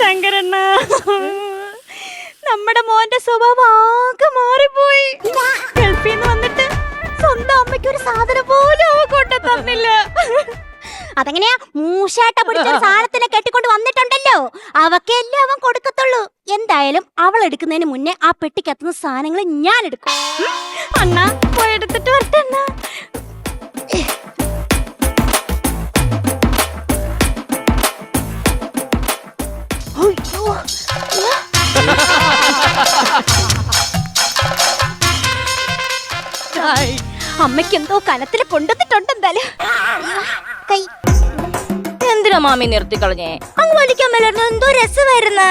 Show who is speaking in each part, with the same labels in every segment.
Speaker 1: ശങ്കരണ്ണ, നമ്മുടെ മോന്റെ സ്വഭാവം ആകെ മാറിപ്പോയി. ഗൾഫിൽ നിന്ന് വന്നിട്ട് സ്വന്തം അമ്മയ്ക്ക് ഒരു സാധനം പോലും അവ കൊണ്ടു തന്നില്ല. അതെങ്ങനെയാ? മൂശാട്ട പിടിച്ച സാധനത്തിനെ കെട്ടിക്കൊണ്ട് വന്നിട്ടുണ്ടല്ലോ, അവക്കെല്ലാം അവൻ കൊടുക്കത്തുള്ളൂ. എന്തായാലും അവൾ എടുക്കുന്നതിന് മുന്നേ ആ പെട്ടിക്കത്തുന്ന സാധനങ്ങൾ ഞാൻ എടുക്കും. അണ്ണ പോയി എടുത്തിട്ട് വരട്ടെ അണ്ണ. അമ്മയ്ക്ക് എന്തോ കനത്തിൽ കൊണ്ടുവന്നിട്ടുണ്ട്. എന്തായാലും കൈ
Speaker 2: എന്തിനാ മാമി നിർത്തി കളഞ്ഞേ?
Speaker 1: അങ്ങ് വലിക്കാൻ മേലായിരുന്നു, എന്തോ രസമായിരുന്നു.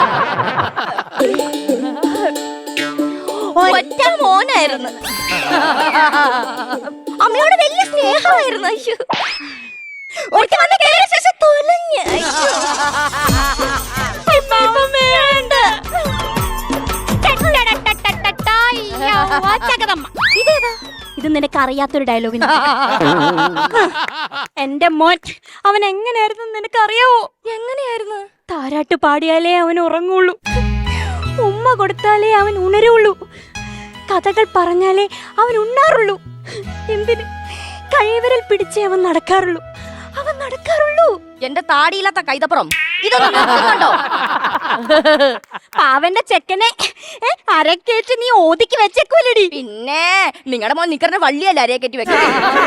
Speaker 2: ഒറ്റ മോനായിരുന്നു,
Speaker 1: അമ്മയോട് വലിയ സ്നേഹമായിരുന്നു. അയ്യോ, ഒറ്റ വന്ന് കേറിയ ശേഷം തൊലഞ്ഞ്. ഇതേതാ? ഇത് നിനക്ക് അറിയാത്തൊരു ഡയലോഗിന്. എന്റെ മോൻ അവൻ എങ്ങനെയായിരുന്നു നിനക്ക് അറിയാവോ?
Speaker 2: എങ്ങനെയായിരുന്നു?
Speaker 1: താരാട്ട് പാടിയാലേ അവൻ ഉറങ്ങുള്ളൂ, ഉമ്മ കൊടുത്താലേ അവൻ ഉണരുള്ളൂ, കഥകൾ പറഞ്ഞാലേ അവൻ ഉണ്ണാറുള്ളൂ. എന്തിന്? കൈവിരൽ പിടിച്ചേ അവൻ നടക്കാറുള്ളൂ.
Speaker 2: എന്റെ താടിയില്ലാത്ത കൈതപ്പുറം ഇതൊന്നും നിർത്തുന്നുണ്ടോ?
Speaker 1: പാവന്റെ ചെക്കനെ അരക്കേറ്റ് നീ ഓതിക്ക് വെച്ചേക്കൂലടി.
Speaker 2: പിന്നെ നിങ്ങളുടെ മോൻ നിക്കറിന്റെ വള്ളിയല്ല അരയെ കെട്ടി വെക്കാൻ.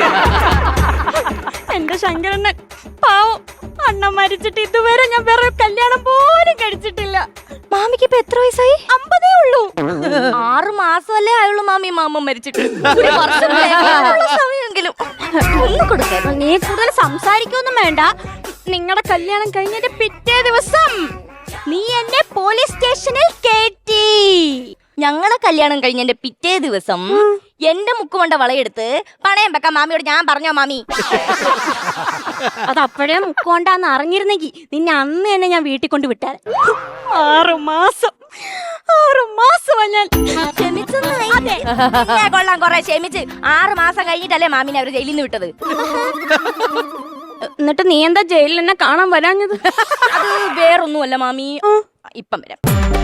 Speaker 1: എന്റെ ശങ്കരണ്ണൻ പാവം, അണ്ണൻ മരിച്ചിട്ട് ഇതുവരെ ഞാൻ വേറെ കല്യാണം പോലും കഴിച്ചിട്ടില്ല. മാമിക്ക് ഇപ്പൊ എത്ര വയസ്സായി? 50 ഉള്ളൂ.
Speaker 2: 6 മാസമല്ലേ ആയുള്ളൂ മാമി മാമ മരിച്ചിട്ട്. ഒരു വർഷം സമയമെങ്കിലും ഒന്ന് കൊടുക്ക.
Speaker 1: നീ കൂടുതൽ സംസാരിക്കൊന്നും വേണ്ട. നിങ്ങളുടെ കല്യാണം കഴിഞ്ഞതിന്റെ പിറ്റേ ദിവസം നീ എന്നെ പോലീസ് സ്റ്റേഷനിൽ കേറ്റി.
Speaker 2: ഞങ്ങളെ കല്യാണം കഴിഞ്ഞതിന്റെ പിറ്റേ ദിവസം എന്റെ മുക്കുകൊണ്ട വളയെടുത്ത് പണയം വെക്കാൻ മാമിയോട് ഞാൻ പറഞ്ഞോ മാമി?
Speaker 1: അതപ്പോഴേ മുക്കോണ്ടാന്ന് അറിഞ്ഞിരുന്നെങ്കിൽ നിന്നെ അന്ന് തന്നെ ഞാൻ വീട്ടിൽ കൊണ്ട് വിട്ടാൽ. 6 മാസം ഞാൻ
Speaker 2: കൊള്ളാം, കൊറേ ക്ഷമിച്ച്. 6 മാസം കഴിഞ്ഞിട്ടല്ലേ മാമിനെ അവര് ജയിലിൽ നിന്ന് വിട്ടത്.
Speaker 1: എന്നിട്ട് നീ എന്താ ജയിലിൽ എന്നെ കാണാൻ വരാഞ്ഞത്?
Speaker 2: അത് വേറൊന്നുമല്ല മാമി, ഇപ്പം വരാം.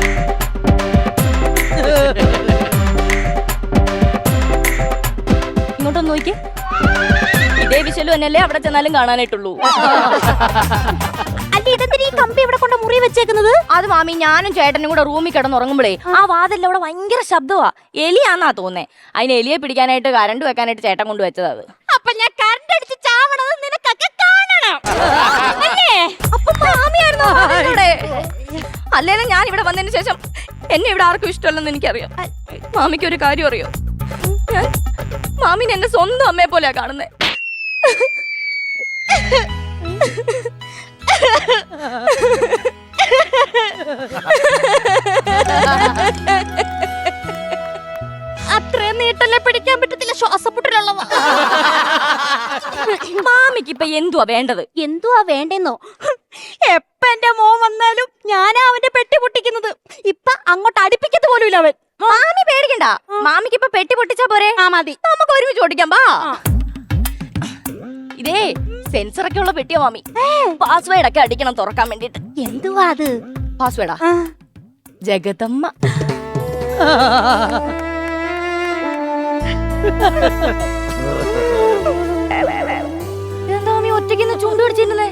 Speaker 2: ഇങ്ങോട്ടൊന്ന് നോക്കിയേ, ഇതേ വിശലും എന്നല്ലേ അവിടെ ചെന്നാലും കാണാനായിട്ടുള്ളൂ.
Speaker 1: ഈ കമ്പി ഇവിടെ കൊണ്ട് മുറി വെച്ചേക്കുന്നത്?
Speaker 2: അത് മാമി ഞാനും ചേട്ടനും കൂടെ റൂമിൽ കിടന്നുറങ്ങുമ്പോഴേ ആ വാതിലിന്റെ അവിടെ ഭയങ്കര ശബ്ദമാ. എലിയാന്നാ തോന്നേ. അതിന് എലിയെ പിടിക്കാനായിട്ട് കരണ്ട് വെക്കാനായിട്ട് ചേട്ടൻ കൊണ്ട് വെച്ചത്. അത്
Speaker 1: അപ്പൊ ഞാൻ കരണ്ട് അടിച്ച് ചാവണത് നിനക്കൊക്കെ കാണണം അല്ലേ?
Speaker 2: അപ്പൊ മാമിയായിരുന്നു അല്ലേലും ഞാൻ ഇവിടെ വന്നതിന് ശേഷം എന്നെ ഇവിടെ ആർക്കും ഇഷ്ടമല്ലെന്ന് എനിക്കറിയാം. മാമിക്ക് ഒരു കാര്യം അറിയോ? ഞാൻ മാമിനെ എന്നെ സ്വന്തം അമ്മയെ പോലെയാ കാണുന്നേ.
Speaker 1: അത്രയും നീട്ടല്ലേ പിടിക്കാൻ പറ്റത്തില്ല, ശ്വാസമുട്ടലുള്ളവ.
Speaker 2: മാമിക്ക് ഇപ്പൊ എന്തുവാ വേണ്ടത്?
Speaker 1: എന്തുവാ വേണ്ടെന്നോ? എപ്പ എന്റെ മോൻ വന്നാലും ഞാനാ അവന്റെ പെട്ടി പൊട്ടിക്കുന്നത്. ഇപ്പൊ അങ്ങോട്ട് അടുപ്പിക്കത്ത് പോലും ഇല്ല അവൻ.
Speaker 2: മാമി പേടിക്കണ്ട, മാമിക്ക് ഇപ്പൊ പെട്ടി പൊട്ടിച്ചാ പോരെ?
Speaker 1: ആ മതി,
Speaker 2: നമുക്ക് ഒരുമിച്ച് ഓടിക്കാം. ബാ. ഇതേ സെൻസറൊക്കെ ഉള്ള പെട്ടിയാ മാമി. പാസ്വേഡ് ഒക്കെ അടിക്കണം തുറക്കാൻ വേണ്ടിട്ട്.
Speaker 1: എന്തുവാ അത്?
Speaker 2: പാസ്വേഡാ ജഗതമ്മ. എന്താ മാമി ഒറ്റയ്ക്ക് ചൂണ്ട് പിടിച്ചിരുന്നേ?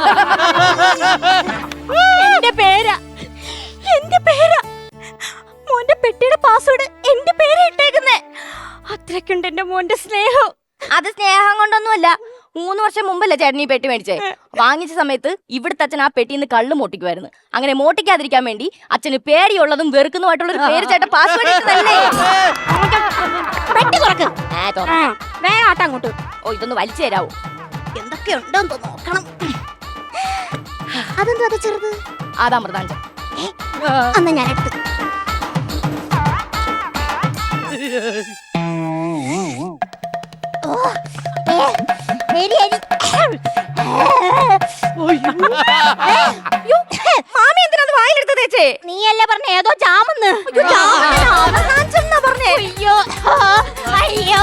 Speaker 1: എന്റെ പേരാ മോന്റെ പെട്ടിയുടെ പാസ്വേഡ് എന്റെ പേരാ ഇട്ടേക്കുന്നേ. അത്രയ്ക്കുണ്ട് എന്റെ മോന്റെ സ്നേഹം.
Speaker 2: അത് സ്നേഹം കൊണ്ടൊന്നുമല്ല. 3 വർഷം മുമ്പല്ലേ ചേട്ടൻ ഈ പെട്ടി മേടിച്ചേ? വാങ്ങിച്ച സമയത്ത് ഇവിടുത്തെ അച്ഛൻ ആ പെട്ടിന്ന് കള്ള് മോട്ടിക്കുമായിരുന്നു. അങ്ങനെ മോട്ടിക്കാതിരിക്കാൻ വേണ്ടി അച്ഛന് പേടിയുള്ളതും വെറുക്കുന്നതുമായിട്ടുള്ള ഒരു പേര് ചേട്ടൻ പാസ്വേഡ് ഇട്ടതല്ലേ?
Speaker 1: പെട്ടി തുറക്ക്. വേഗം ആട്ടം അങ്ങോട്ട്.
Speaker 2: ഓ, ഇതൊന്ന് വലിച്ചു തരാവോ?
Speaker 1: എന്തൊക്കെയുണ്ടോ നോക്കണം. അതെന്തോ അത് ചെറുത്?
Speaker 2: അതാ മൃതാഞ്ചൻ.
Speaker 1: അന്ന് ഞാൻ എടുത്ത്.
Speaker 2: മാമി എന്തിനാ വായിലെടുത്ത് തേച്ചേ?
Speaker 1: നീയല്ലേ പറഞ്ഞ ഏതോ ജാമെന്ന്?
Speaker 2: പറഞ്ഞേ.
Speaker 1: അയ്യോ അയ്യോ,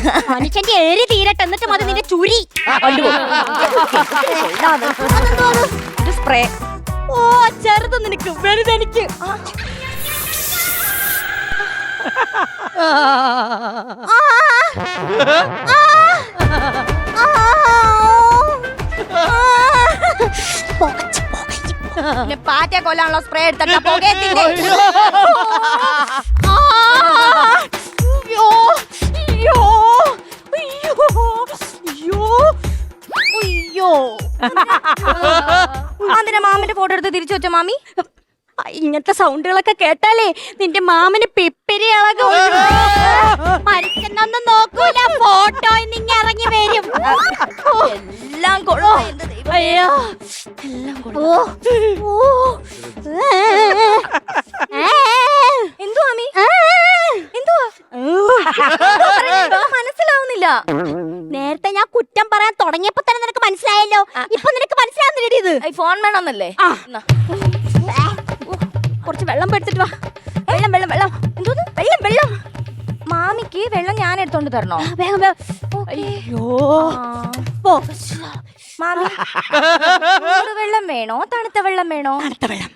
Speaker 1: മനുഷ്യന്റെ ഏറി തീരട്ടെ എന്നിട്ട് മതി നിന്റെ ചുരി.
Speaker 2: സ്പ്രേ.
Speaker 1: ഓ ചെറുത് നിനക്ക്, വലുതെനിക്ക്.
Speaker 2: പാറ്റ കൊല്ലാനുള്ള സ്പ്രേ എടുത്തിട്ട് പുകയത്തിന്റെ. അതിന്റെ മാമിന്റെ ഫോട്ടോ എടുത്ത് തിരിച്ചു വെച്ച മാമി.
Speaker 1: ഇങ്ങനത്തെ സൗണ്ടുകളൊക്കെ കേട്ടാലേ നിന്റെ മാമന് പിപ്പിരി ഇളകും. മരിക്കുന്നൊന്നും നോക്കൂല, ഫോട്ടോ ഇന്നിങ്ങ ഇറങ്ങി വരും.
Speaker 2: എല്ലാം കൊള്ളോ.
Speaker 1: അയ്യോ
Speaker 2: എല്ലാം
Speaker 1: ഓ
Speaker 2: എന്തോ മാമി എന്തുവാ മനസ്സിലാവുന്നില്ല.
Speaker 1: നേരത്തെ ഞാൻ കുറ്റം പറയാൻ തുടങ്ങിയപ്പോ തന്നെ നിനക്ക് മനസ്സിലായല്ലോ. ഇപ്പൊ നിനക്ക് മനസ്സിലാവുന്നില്ലടി ഇത്.
Speaker 2: ഫോൺ വേണമെന്നല്ലേ?
Speaker 1: കുറച്ച് വെള്ളം എടുത്തിട്ട് വാ. വെള്ളം വെള്ളം വെള്ളം.
Speaker 2: എന്തോന്ന് വെള്ളം വെള്ളം? മാമിക്ക് വെള്ളം ഞാൻ എടുത്തോണ്ട് തരണോ?
Speaker 1: വേഗം വേഗം.
Speaker 2: അയ്യോ
Speaker 1: പോ.
Speaker 2: മാമി വെള്ളം വേണോ തണുത്ത വെള്ളം വേണോ?
Speaker 1: തണുത്ത വെള്ളം.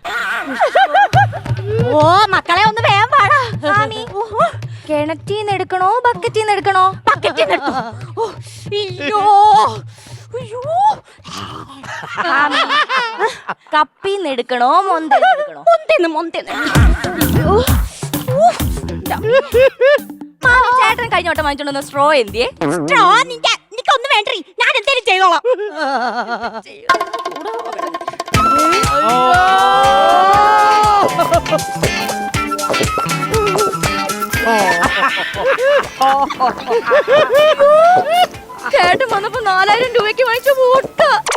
Speaker 1: ഓ മക്കളെ ഒന്ന് വേഗം പാടാ.
Speaker 2: മാമി കിണറ്റീന്ന് എടുക്കണോ ബക്കറ്റീന്ന് എടുക്കണോ?
Speaker 1: ബക്കറ്റീന്ന് എടുത്തോ. അയ്യോ അയ്യോ.
Speaker 2: മാമി കപ്പീന്ന് എടുക്കണോ മൊന്തേന്ന് എടുക്കണോ?
Speaker 1: മൊന്തേന്ന് മൊന്തേന്ന്.
Speaker 2: മാമി ചേട്ടൻ കഴിഞ്ഞോട്ടം വാങ്ങിച്ചോണ്ട് സ്ട്രോ എന്തിയെ?
Speaker 1: സ്ട്രോ നിനക്കൊന്നും വേണ്ടേ, ഞാൻ എന്തേലും ചെയ്തോളാം.
Speaker 2: ചേട്ടൻ വന്നപ്പോ 4000 രൂപയ്ക്ക് വാങ്ങിച്ച വോട്ട.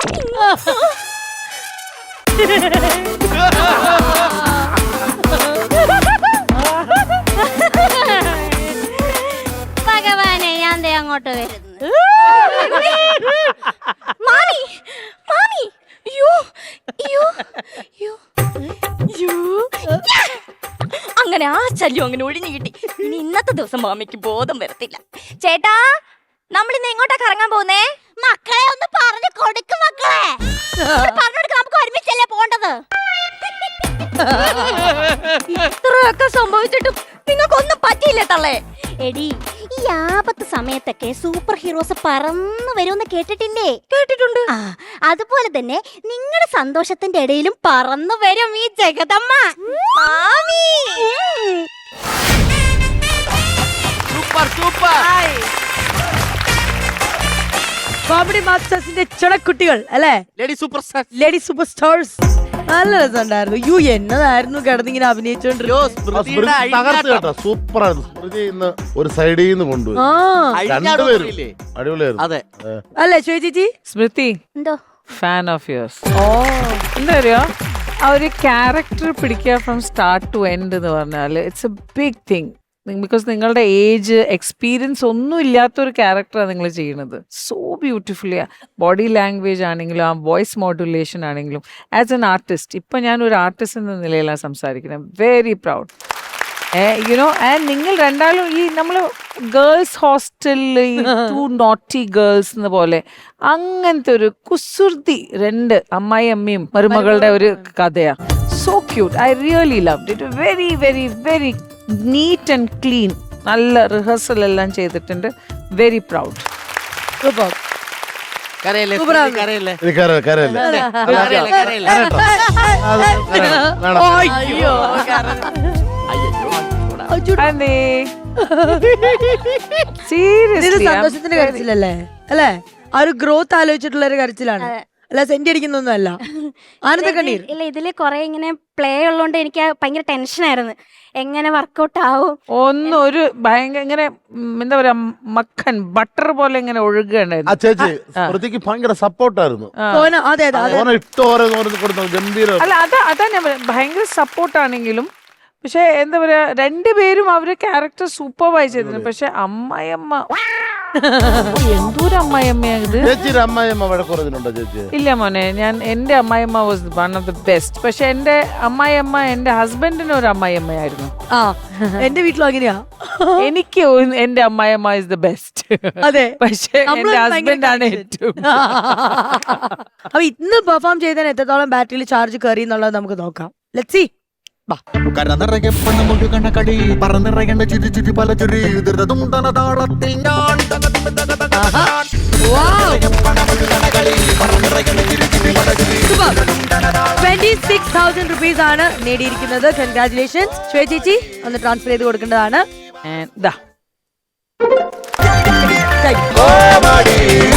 Speaker 1: ഭഗവാനെ ഞാൻ ദേ അങ്ങോട്ട് വരുന്നു.
Speaker 2: മാമി മാമി അയ്യോ അയ്യോ അയ്യോ അയ്യോ. അങ്ങനെ ആ ശല്യം അങ്ങനെ ഒഴിഞ്ഞു കിട്ടി. ഇനി ഇന്നത്തെ ദിവസം മാമിക്ക് ബോധം വരത്തില്ല. ചേട്ടാ നമ്മളിന്ന് എങ്ങോട്ടാ കറങ്ങാൻ പോകുന്നേ?
Speaker 1: മക്കളെ ഒന്ന് പറഞ്ഞു കൊടുക്ക്. മക്കളെ പറഞ്ഞു കൊടുക്ക, നമുക്ക് ഒരുമിച്ചല്ലേ പോണ്ടത്.
Speaker 2: ഇത്രയൊക്കെ സംഭവിച്ചിട്ടും നിങ്ങൾക്കൊന്നും പറ്റിയില്ലേ തള്ളേ?
Speaker 1: എടി ഈ ആപത്ത് സമയത്തൊക്കെ സൂപ്പർ ഹീറോസ് പറന്നു വരുമെന്ന് കേട്ടിട്ടില്ലേ?
Speaker 2: കേട്ടിട്ടുണ്ട്.
Speaker 1: ആ അതുപോലെ തന്നെ നിങ്ങളുടെ സന്തോഷത്തിന്റെ ഇടയിലും പറന്നു വരും ഈ ജഗദമ്മ.
Speaker 2: മാമി
Speaker 3: സൂപ്പർ സൂപ്പർ.
Speaker 4: കോമഡി മാസ്റ്റേഴ്സിന്റെ ചുണക്കുട്ടികൾ അല്ലേ?
Speaker 3: Lady super star.
Speaker 4: Lady super stars. നല്ല രസമുണ്ടായിരുന്നു. യു എന്നതായിരുന്നു കിടന്നിങ്ങനെ
Speaker 3: അഭിനയിച്ചോണ്ടിരുന്നത്.
Speaker 5: സൂപ്പറായിരുന്നു. സ്മൃതി ഇന്ന് ഒരു സൈഡിൽ നിന്ന് കൊണ്ടുപോയി. രണ്ടുപേരും അടിപൊളിയായിരുന്നു.
Speaker 3: അതെ
Speaker 4: അല്ലേ ശ്വേത ചേച്ചി?
Speaker 6: സ്മൃതി
Speaker 1: എന്തോ
Speaker 6: ഫാൻ ഓഫ് യുവേഴ്സ്. എന്താ പറയുക, ആ ഒരു ക്യാരക്ടർ പിടിക്കുക ഫ്രം സ്റ്റാർട്ട് ടു എൻഡ് എന്ന് പറഞ്ഞാൽ it's a big thing. Because നിങ്ങളുടെ ഏജ് എക്സ്പീരിയൻസ് ഒന്നും ഇല്ലാത്തൊരു ക്യാരക്ടറാണ് നിങ്ങൾ ചെയ്യുന്നത്. സോ ബ്യൂട്ടിഫുള്ളി ബോഡി ലാംഗ്വേജ് ആണെങ്കിലും ആ വോയിസ് മോഡുലേഷൻ ആണെങ്കിലും ആസ് എൻ ആർട്ടിസ്റ്റ്, ഇപ്പം ഞാനൊരു ആർട്ടിസ്റ്റ് എന്ന നിലയിലാണ് സംസാരിക്കുന്നത്. Very proud. യുനോ ആൻഡ് നിങ്ങൾ രണ്ടാളും ഈ നമ്മൾ ഗേൾസ് ഹോസ്റ്റലിൽ ടു നോട്ടി ഗേൾസ് എന്ന പോലെ അങ്ങനത്തെ ഒരു കുസൃതി രണ്ട് അമ്മായി അമ്മയും മരുമകളുടെ ഒരു കഥയാണ്. So cute. I really loved it. Very very very neat and clean. നല്ല റിഹേഴ്സൽ എല്ലാം ചെയ്തിട്ടുണ്ട്. Very proud.
Speaker 4: സൂപ്പർ.
Speaker 3: കരയല്ലേ
Speaker 4: സൂപ്പറാണ്.
Speaker 3: കരയല്ലേ
Speaker 5: ഇത് കരയല്ലേ?
Speaker 3: കരയല്ലേ കരയല്ലേ.
Speaker 2: അയ്യോ
Speaker 4: ഇത് സന്തോഷത്തിന്റെ കരച്ചിലല്ലേ അല്ലേ? ആ ഒരു ഗ്രോത്ത് ആലോചിച്ചിട്ടുള്ള ഒരു കരച്ചിലാണ്, അല്ല സെന്റ് അടിക്കുന്നൊന്നും അല്ല. ആനന്ദ കണ്ണീർ.
Speaker 1: ഇല്ല, ഇതില് കൊറേ ഇങ്ങനെ പ്ലേ ഉള്ളോണ്ട് എനിക്ക് ഭയങ്കര ടെൻഷനായിരുന്നു, എങ്ങനെ വർക്കൗട്ട് ആവും.
Speaker 6: ഒന്നും ഒരു ഭയങ്കര ഇങ്ങനെ എന്താ പറയാ മക്കൻ ബട്ടർ പോലെ ഇങ്ങനെ ഒഴുകുകയുണ്ടായിരുന്നു.
Speaker 5: ആ ചേച്ചി സ്മൃതിക്ക് ഭയങ്കര സപ്പോർട്ടായിരുന്നു.
Speaker 4: അതെ അതെ
Speaker 5: ഗംഭീരം.
Speaker 6: അല്ല അതാ ഞാൻ ഭയങ്കര സപ്പോർട്ടാണെങ്കിലും പക്ഷെ എന്താ പറയാ രണ്ടുപേരും അവരുടെ ക്യാരക്ടർ സൂപ്പർവൈസ് ചെയ്തിരുന്നു. പക്ഷെ അമ്മയമ്മ എന്തോരം അമ്മായിയമ്മയാ ഇത്.
Speaker 5: ചേച്ചിയുടെ അമ്മായിയമ്മ വഴക്കുറഞ്ഞിട്ടുണ്ടോ ചേച്ചി?
Speaker 6: ഇല്ല മോനെ, എന്റെ അമ്മായിയമ്മ was one of the best. പക്ഷെ എന്റെ അമ്മായിയമ്മ എന്റെ ഹസ്ബൻഡിന് ഒരു അമ്മായിയമ്മയായിരുന്നു.
Speaker 4: ആ എന്റെ വീട്ടിലും അങ്ങനെയാ.
Speaker 6: എനിക്ക് എന്റെ അമ്മായിയമ്മ ഇസ് ദ ബെസ്റ്റ്.
Speaker 4: അതെ.
Speaker 6: പക്ഷെ
Speaker 4: നമ്മള്
Speaker 6: എന്റെ
Speaker 4: ഭയങ്കര
Speaker 6: ഹസ്ബൻഡാണ്
Speaker 4: connection.
Speaker 6: ഏറ്റവും.
Speaker 4: അപ്പൊ ഇന്ന് പെർഫോം ചെയ്തതിന് എത്രത്തോളം ബാറ്ററിയിൽ ചാർജ് കയറി എന്നുള്ളത് നമുക്ക് നോക്കാം. Let's see.
Speaker 7: കരനിറയെ പണമൊഴുകണ കളി പറന്നിറയേണ്ട ചിരി ചിരി പല ചിരി ദുരിതം താളത്തിൽ ഞാൻ
Speaker 4: 26,000 rupees ആണ് നേടിയിരിക്കുന്നത്. കൺഗ്രാറ്റുലേഷൻസ്. ശ്വേത ചേച്ചി ഒന്ന് ട്രാൻസ്ഫർ ചെയ്ത് കൊടുക്കേണ്ടതാണ്.
Speaker 6: And ദാ.
Speaker 4: Thank you.